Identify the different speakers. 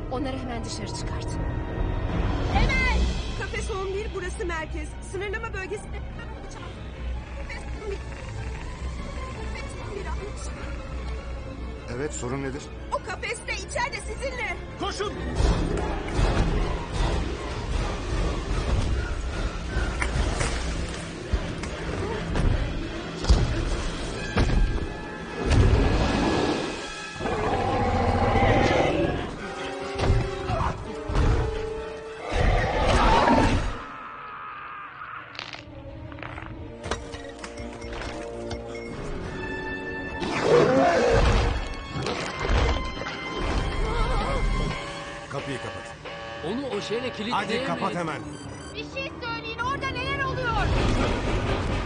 Speaker 1: Onları hemen dışarı çıkart.
Speaker 2: Hemen!
Speaker 3: Kafes 11 burası merkez. Sınırlama bölgesi...
Speaker 4: Evet, sorun nedir?
Speaker 3: O kafeste içeride sizinle.
Speaker 5: Koşun!
Speaker 6: Kapıyı kapat.
Speaker 7: Onu o şeyle kilitleyemeyiz.
Speaker 6: Hadi kapat hemen.
Speaker 2: Bir şey söyleyin, orada neler oluyor?